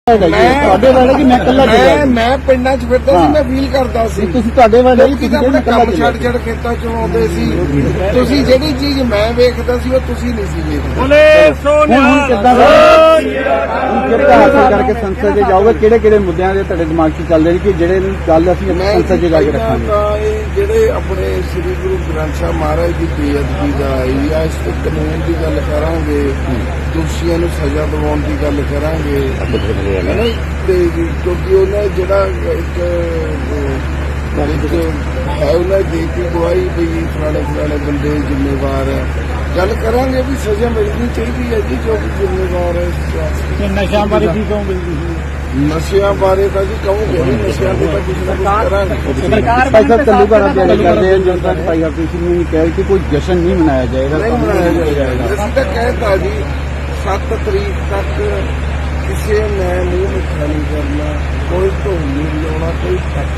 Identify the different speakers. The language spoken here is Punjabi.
Speaker 1: ਤੁਹਾਡੇ ਵਾਲੇ ਕਿ ਮੈਂ ਇਕੱਲਾ ਚੱਲਿਆ
Speaker 2: ਮੈਂ ਪਿੰਡਾਂ 'ਚ ਫਿਰਦਾ ਸੀ, ਮੈਂ ਫੀਲ ਕਰਦਾ ਸੀ।
Speaker 1: ਤੁਸੀਂ ਤੁਹਾਡੇ ਵਾਲੇ
Speaker 2: ਲੋਕੀ ਤਾਂ ਆਪਣੇ ਕੰਮ ਛੱਡ ਖੇਤਾਂ 'ਚੋਂ ਆਉਂਦੇ ਸੀ। ਤੁਸੀਂ ਜਿਹੜੀ ਚੀਜ਼ ਮੈਂ ਵੇਖਦਾ ਸੀ ਉਹ ਤੁਸੀਂ ਨਹੀਂ ਸੀ ਵੇਖਦੇ।
Speaker 1: ਬੋਲੇ ਸੋਨਿਆ ਕਿਹੜਾ ਹਾਸਲ ਕਰਕੇ ਸੰਸਦ 'ਚ ਜਾਓਗੇ, ਕਿਹੜੇ ਕਿਹੜੇ ਮੁੱਦਿਆਂ ਦੇ ਤੁਹਾਡੇ ਦਿਮਾਗ 'ਚ ਚੱਲਦੇ ਨੇ ਕਿ ਜਿਹੜੇ ਗੱਲ ਅਸੀਂ ਸੰਸਦ 'ਚ ਜਾ ਕੇ ਰੱਖਾਂਗੇ?
Speaker 2: ਇਹ ਜਿਹੜੇ ਆਪਣੇ ਸ੍ਰੀ ਗੁਰੂ ਗ੍ਰੰਥ ਸਾਹਿਬ ਮਹਾਰਾਜ ਦੀ ਬੇਅਦਬੀ ਦਾ ਜਾਂ ਇਸ ਤੇ ਕਾਨੂੰਨ ਦੀ ਗੱਲ ਕਰਾਂਗੇ, ਦੋਸ਼ੀਆਂ ਨੂੰ ਸਜ਼ਾ ਦਿਵਾਉਣ ਦੀ ਗੱਲ ਕਰਾਂਗੇ, ਤੇ ਕਿਉਂਕਿ ਉਹਨਾਂ ਜਿਹੜਾ ਇੱਕ ਹੈ ਉਹਨਾਂ ਦੇ ਕੇ ਗਵਾਹੀ ਵੀ ਫਲਾਣੇ ਬੰਦੇ ਜ਼ਿੰਮੇਵਾਰ ਹੈ, ਗੱਲ ਕਰਾਂਗੇ ਵੀ ਸਜ਼ਾ ਮਿਲਣੀ ਚਾਹੀਦੀ ਹੈ ਜੀ ਜੋ ਵੀ ਜ਼ਿੰਮੇਵਾਰ ਹੈ।
Speaker 1: ਨਸ਼ਿਆਂ ਬਾਰੇ ਕੀ ਕਹੋਗੇ?
Speaker 2: ਨਸ਼ਿਆਂ ਬਾਰੇ ਤਾਂ ਜੀ ਕਹੋਗੇ ਨਸ਼ਿਆਂ ਦੇ ਤਾਂ ਕੁਝ ਨਾ ਕੁਝ ਕਰਾਂਗੇ।
Speaker 1: ਸਰਕਾਰ ਭਾਈ ਸਾਹਿਬ ਤਲੂਕਾਰਾ ਗੱਲ ਕਰਦੇ ਹਨ ਜਦੋਂ ਤੱਕ ਭਾਈ ਹਰਪ੍ਰੀਤ ਸਿੰਘ ਨੇ ਕਿਹਾ ਕਿ ਕੋਈ ਜਸ਼ਨ ਨਹੀਂ ਮਨਾਇਆ ਜਾਏਗਾ,
Speaker 2: ਨਹੀਂ ਮਨਾਇਆ ਜਾਏਗਾ। ਅਸੀਂ ਤਾਂ ਕਹਿਤਾ ਜੀ 7 ਤਰੀਕ ਤੱਕ ਕਿਸੇ ਨੇ ਮੂੰਹ ਮਿੱਠਾ ਨਹੀਂ ਕਰਨਾ, ਕੋਈ ਢੋਲ ਨਹੀਂ ਵਜਾਉਣਾ, ਕੋਈ